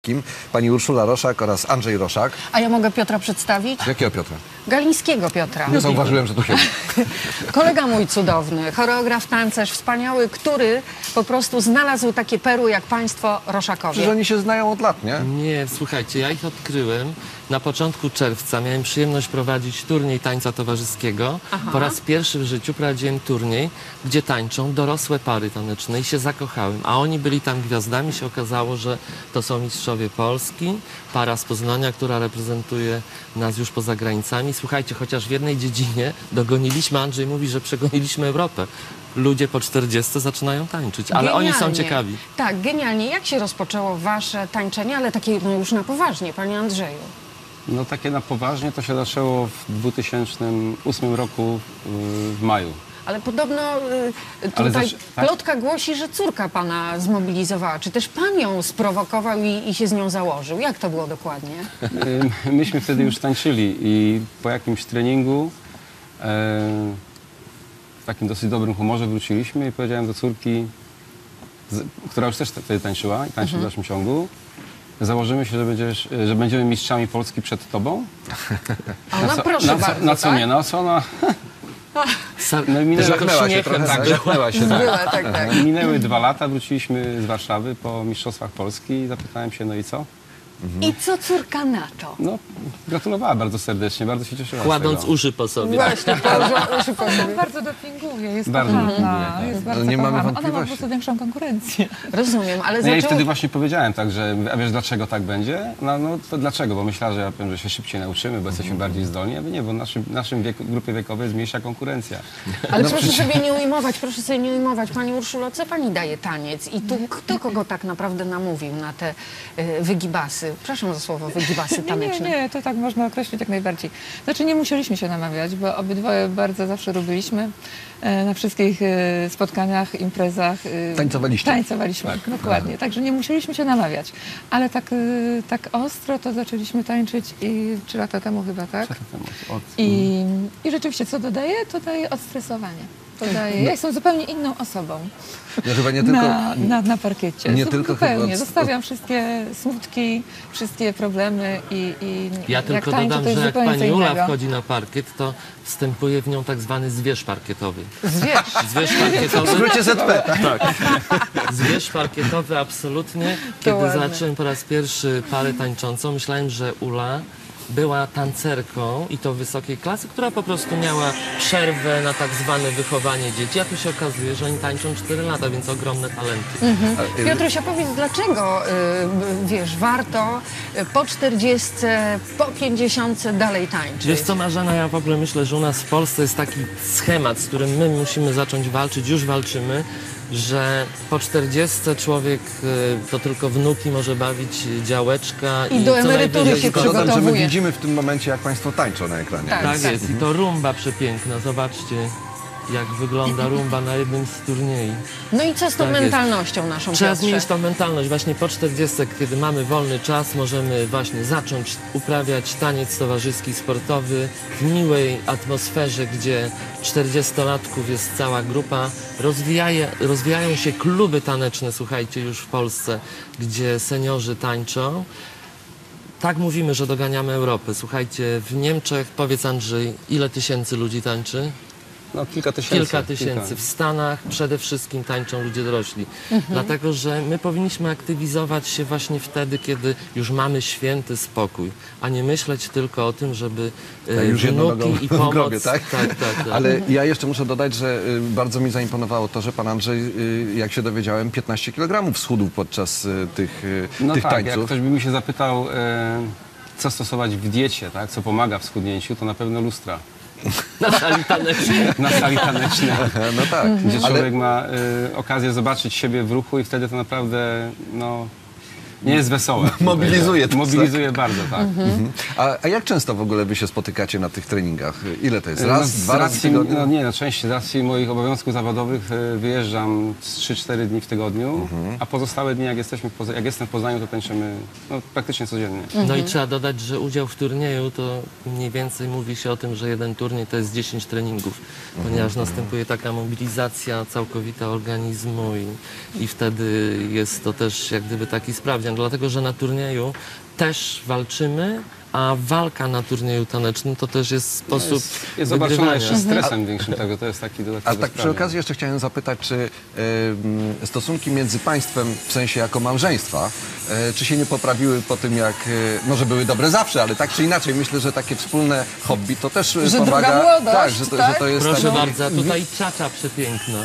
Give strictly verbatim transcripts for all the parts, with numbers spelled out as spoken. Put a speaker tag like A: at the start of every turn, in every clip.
A: Kim? Pani Urszula Roszak oraz Andrzej Roszak.
B: A ja mogę Piotra przedstawić?
A: Jakiego Piotra?
B: Galińskiego Piotra.
A: Nie zauważyłem, że tu siedzi.
B: Kolega mój cudowny, choreograf, tancerz wspaniały, który po prostu znalazł takie perły jak państwo Roszakowie.
A: Przecież oni się znają od lat, nie?
C: Nie, słuchajcie, ja ich odkryłem na początku czerwca. Miałem przyjemność prowadzić turniej tańca towarzyskiego.
B: Aha.
C: Po raz pierwszy w życiu prowadziłem turniej, gdzie tańczą dorosłe pary taneczne i się zakochałem. A oni byli tam gwiazdami. Się okazało, że to są mistrzowie Polski, para z Poznania, która reprezentuje nas już poza granicami. Słuchajcie, chociaż w jednej dziedzinie dogoniliśmy, Andrzej mówi, że przegoniliśmy Europę. Ludzie po czterdziestce zaczynają tańczyć, ale
B: Genialnie.
C: oni są ciekawi.
B: Tak, genialnie. Jak się rozpoczęło wasze tańczenie, ale takie no już na poważnie, panie Andrzeju?
D: No takie na poważnie to się zaczęło w dwa tysiące ósmym roku w maju.
B: Ale podobno y,
D: Ale
B: tutaj
D: zaś- tak?
B: plotka głosi, że córka pana zmobilizowała. Czy też pan ją sprowokował i, i się z nią założył? Jak to było dokładnie?
D: Y, Myśmy wtedy już tańczyli i po jakimś treningu e, w takim dosyć dobrym humorze wróciliśmy i powiedziałem do córki, z, która już też wtedy tańczyła i tańczy w dalszym ciągu, założymy się, że, będziesz, że będziemy mistrzami Polski przed tobą.
B: A ona
D: co,
B: proszę
D: na, co,
B: bardzo,
D: na co
B: tak?
D: nie? Na co ona...
C: Sa
D: No i minęły,
A: Żachnęła się
C: śmiechem,
A: trochę,
C: tak
A: tak?
C: było.
A: Żachnęła się, tak.
B: Była, tak, tak.
D: minęły dwa lata, wróciliśmy z Warszawy po Mistrzostwach Polski i zapytałem się, no i co?
B: I co córka na to?
D: No, gratulowała bardzo serdecznie, bardzo się cieszyła z
C: Kładąc
D: tego.
C: uszy po sobie.
B: Właśnie, położyła uszy po sobie.
E: Bardzo dopinguje, jest
D: Bardzo
E: kochana,
D: dopinguje, tak.
E: jest bardzo
A: nie mamy
E: kochana. Ona ma po
A: wątpliwości.
E: prostu większą konkurencję.
B: Rozumiem, ale
D: No ja jej
B: zaczęło...
D: wtedy właśnie powiedziałem tak, że a wiesz dlaczego tak będzie? No, no to dlaczego? Bo myślała, że ja powiem, że się szybciej nauczymy, bo jesteśmy bardziej zdolni, a nie, bo w naszym, naszym wieku, grupie wiekowej jest mniejsza konkurencja.
B: Ale proszę sobie nie ujmować, proszę sobie nie ujmować. Pani Urszulo, co pani daje taniec? I tu kto kogo tak naprawdę namówił na te y, wygibasy? Przepraszam za słowo wygibasy
E: Nie, nie,
B: taneczne.
E: nie, to tak można określić jak najbardziej. Znaczy nie musieliśmy się namawiać, bo obydwoje bardzo zawsze lubiliśmy. E, Na wszystkich e, spotkaniach, imprezach. e,
A: Tańcowaliście.
E: Tańcowaliśmy, dokładnie. Także nie musieliśmy się namawiać. Ale tak, e, tak ostro to zaczęliśmy tańczyć i trzy lata temu chyba, tak?
D: Od,
E: I, I rzeczywiście, co dodaje? To daje odstresowanie. To daje, ja jestem zupełnie inną osobą
A: No chyba nie tylko...
E: na, na, na parkiecie.
A: nie
E: Zu-
A: tylko
E: zupełnie.
A: chyba od-
E: Zostawiam wszystkie smutki, wszystkie problemy i, i
C: Ja
E: jak
C: tylko
E: tańczę,
C: dodam,
E: to jest
C: że jak
E: zupełnie co
C: pani Ula
E: innego.
C: wchodzi na parkiet, to wstępuje w nią tak zwany zwierz parkietowy.
B: Zwierz.
C: Zwierz
A: W
C: parkietowy,
A: skrócie Z P.
C: tak. Zwierz parkietowy absolutnie. Kiedy
B: ładne.
C: zobaczyłem po raz pierwszy parę tańczącą, myślałem, że Ula była tancerką i to wysokiej klasy, która po prostu miała przerwę na tak zwane wychowanie dzieci, a tu się okazuje, że oni tańczą cztery lata, więc ogromne talenty.
B: Piotruś, opowiedz, dlaczego, y, wiesz, warto y, po czterdziestce, po pięćdziesiątce dalej tańczyć?
C: Wiesz co, Marzena, ja w ogóle myślę, że u nas w Polsce jest taki schemat, z którym my musimy zacząć walczyć, już walczymy, że po czterdziestce człowiek y, to tylko wnuki może bawić działeczka
B: I do
C: co
B: emerytury
C: najwyżej
B: się
C: zgoda-
A: Dodam, że my
B: przygotowuje.
A: widzimy w tym momencie, jak państwo tańczą na ekranie.
B: Tak.
C: Tak jest i to rumba przepiękna, zobaczcie jak wygląda rumba na jednym z turniej.
B: No i co z tą
C: Tak jest.
B: mentalnością naszą,
C: Trzeba
B: Piotrze?
C: zmienić tą mentalność. Właśnie po czterdziestce, kiedy mamy wolny czas, możemy właśnie zacząć uprawiać taniec towarzyski, sportowy w miłej atmosferze, gdzie czterdziestolatków jest cała grupa. Rozwijaje, rozwijają się kluby taneczne, słuchajcie, już w Polsce, gdzie seniorzy tańczą. Tak mówimy, że doganiamy Europę. Słuchajcie, w Niemczech, powiedz Andrzej, ile tysięcy ludzi tańczy?
D: No kilka tysięcy.
C: Kilka tysięcy. W Stanach przede wszystkim tańczą ludzie dorośli. Dlatego, że my powinniśmy aktywizować się właśnie wtedy, kiedy już mamy święty spokój, a nie myśleć tylko o tym, żeby e,
A: Tak, już jedną nogą
C: wnuki i
A: w
C: pomoc...
A: grobie, tak?
C: Tak, tak, tak.
A: Ale ja jeszcze muszę dodać, że y, bardzo mi zaimponowało to, że pan Andrzej, y, jak się dowiedziałem, piętnaście kilogramów schudł podczas y, tych, y,
D: No
A: tych
D: tak, jak
A: tańców.
D: ktoś by mi się zapytał, e, co stosować w diecie, tak, co pomaga w schudnięciu, to na pewno lustra.
C: Na sali tanecznej.
D: Na sali tanecznej,
A: No tak,
D: gdzie
A: ale
D: człowiek ma e, okazję zobaczyć siebie w ruchu i wtedy to naprawdę, no, nie jest wesołe.
A: Mobilizuje to,
D: Mobilizuje bardzo, tak.
A: Mhm. a, a jak często w ogóle wy się spotykacie na tych treningach? Ile to jest? Raz,
D: No, z
A: dwa razy w
D: racji,
A: tygodniu?
D: no nie, no częściej z racji moich obowiązków zawodowych e, wyjeżdżam z trzy cztery dni w tygodniu, a pozostałe dni, jak, jesteśmy w Poza- jak jestem w Poznaniu, to tańczymy no, praktycznie codziennie.
C: No i trzeba dodać, że udział w turnieju to mniej więcej mówi się o tym, że jeden turniej to jest dziesięć treningów, ponieważ następuje taka mobilizacja całkowita organizmu i, i wtedy jest to też jak gdyby taki sprawdzian. wygrają, dlatego że na turnieju też walczymy, a walka na turnieju tanecznym to też jest sposób
D: Jest, jest zobaczona
C: wygrywania.
D: jeszcze stresem większym tego, to jest taki dodatkowy
A: A tak przy
D: sprawiak.
A: okazji jeszcze chciałem zapytać, czy e, stosunki między państwem, w sensie jako małżeństwa, e, czy się nie poprawiły po tym, jak, e, może były dobre zawsze, ale tak czy inaczej, myślę, że takie wspólne hobby to też e,
B: Że
A: pomaga.
B: druga młodość,
A: tak, że to,
B: tak?
A: Że to jest
C: Proszę
A: taki-
C: bardzo, a tutaj czacza przepiękna.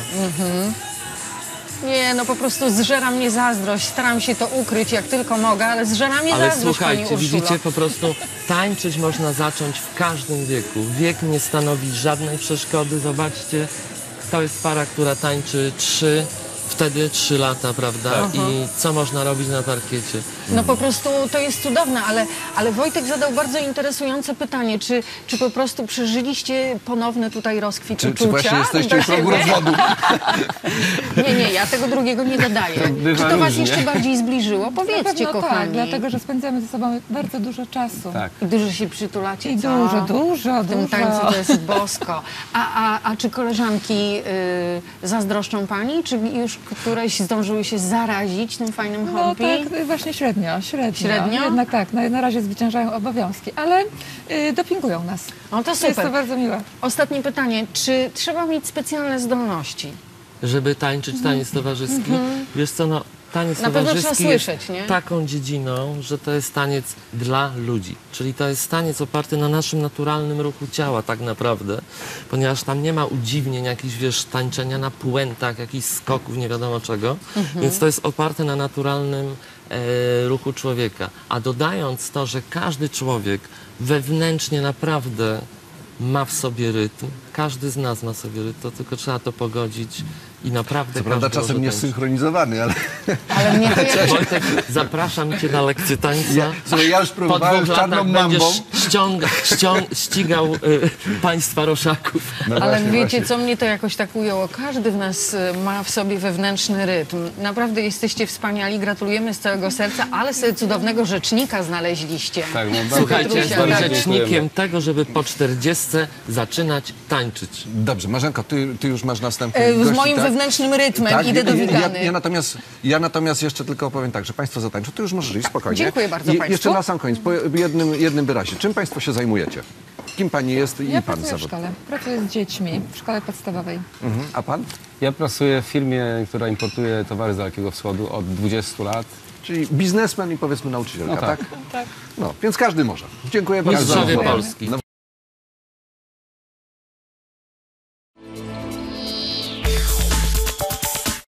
B: Nie, no po prostu zżera mnie zazdrość. Staram się to ukryć jak tylko mogę, ale zżera mnie
C: Ale
B: zazdrość, pani
C: słuchajcie,
B: Urszulo.
C: widzicie, po prostu tańczyć można zacząć w każdym wieku. Wiek nie stanowi żadnej przeszkody. Zobaczcie, to jest para, która tańczy trzy, wtedy trzy lata, prawda? I co można robić na parkiecie?
B: No po prostu to jest cudowne, ale, ale Wojtek zadał bardzo interesujące pytanie, czy, czy po prostu przeżyliście ponowny tutaj rozkwit
A: Czy,
B: uczucia?
A: czy właśnie jesteście
B: do
A: w progu
B: siebie?
A: rozwodu?
B: Nie, nie, ja tego drugiego nie dodaję.
D: bywa
B: Czy to was
D: różnie.
B: jeszcze bardziej zbliżyło?
E: Na
B: Powiedzcie,
E: pewno
B: kochani.
E: tak, dlatego że spędzamy ze sobą bardzo dużo czasu.
D: Tak.
B: I dużo się przytulacie,
E: I
B: co?
E: dużo, dużo,
B: W tym
E: dużo.
B: tańcu to jest bosko. A, a, a czy koleżanki y, zazdroszczą pani? Czy już któreś zdążyły się zarazić tym fajnym
E: No
B: hobby?
E: tak, właśnie średnio, średnio.
B: Średnio?
E: Jednak tak, na, na razie zwyciężają obowiązki, ale y, dopingują nas.
B: No to
E: To jest to
B: super.
E: bardzo miłe.
B: Ostatnie pytanie. Czy trzeba mieć specjalne zdolności?
C: Żeby tańczyć taniec towarzyski. Wiesz co, no, taniec
B: Na pewno
C: towarzyski
B: trzeba
C: jest
B: słyszeć, nie?
C: taką dziedziną, że to jest taniec dla ludzi. Czyli to jest taniec oparty na naszym naturalnym ruchu ciała tak naprawdę, ponieważ tam nie ma udziwnień, jakichś, wiesz, tańczenia na puentach, jakichś skoków, nie wiadomo czego. Więc to jest oparte na naturalnym e, ruchu człowieka. A dodając to, że każdy człowiek wewnętrznie naprawdę ma w sobie rytm, każdy z nas ma w sobie rytm, to tylko trzeba to pogodzić i naprawdę
A: Co prawda
C: każdy
A: czasem
C: może
A: nie
C: tańczyć.
A: synchronizowany, ale
B: Ale mnie to jak...
C: Wojtek, zapraszam cię na lekcję tańca.
A: Ja- słuchaj, ja już
C: Po
A: próbowałem
C: dwóch
A: z czarną
C: latach
A: mambą.
C: będziesz ściąga, ściąg, ścigał y, państwa roszaków.
A: no
B: Ale
A: właśnie,
B: wiecie,
A: właśnie.
B: co mnie to jakoś tak ujęło? Każdy w nas y, ma w sobie wewnętrzny rytm. Naprawdę jesteście wspaniali, gratulujemy z całego serca, ale sobie cudownego rzecznika znaleźliście.
D: Tak, no bardzo,
C: Słuchajcie,
B: Petrusia,
C: jestem
B: tak.
C: rzecznikiem tego, żeby po czterdziestce zaczynać tańczyć.
A: Dobrze, Marzenko, ty, ty już masz następny
B: E, Z
A: gości,
B: moim
A: tak?
B: wewnętrznym rytmem
A: Tak,
B: idę do
A: ja,
B: Wigany.
A: ja, ja, natomiast, ja natomiast jeszcze tylko opowiem tak, że Państwo zatańczą, ty już możesz iść spokojnie.
B: Dziękuję bardzo
A: I
B: państwu.
A: jeszcze na sam koniec, po jednym, jednym wyrazie. Czym Państwo się zajmujecie? Kim Pani jest i
E: Ja
A: Pan
E: pracuję w
A: zawód?
E: szkole. Pracuję z dziećmi w szkole podstawowej.
A: Mhm. A Pan?
D: Ja pracuję w firmie, która importuje towary z Dalekiego Wschodu od dwudziestu lat.
A: Czyli biznesmen i powiedzmy nauczycielka,
D: No tak.
A: tak? No, więc każdy może. Dziękuję bardzo.
C: Mistrzowie
A: za rozmowę.
C: Polski.
A: No,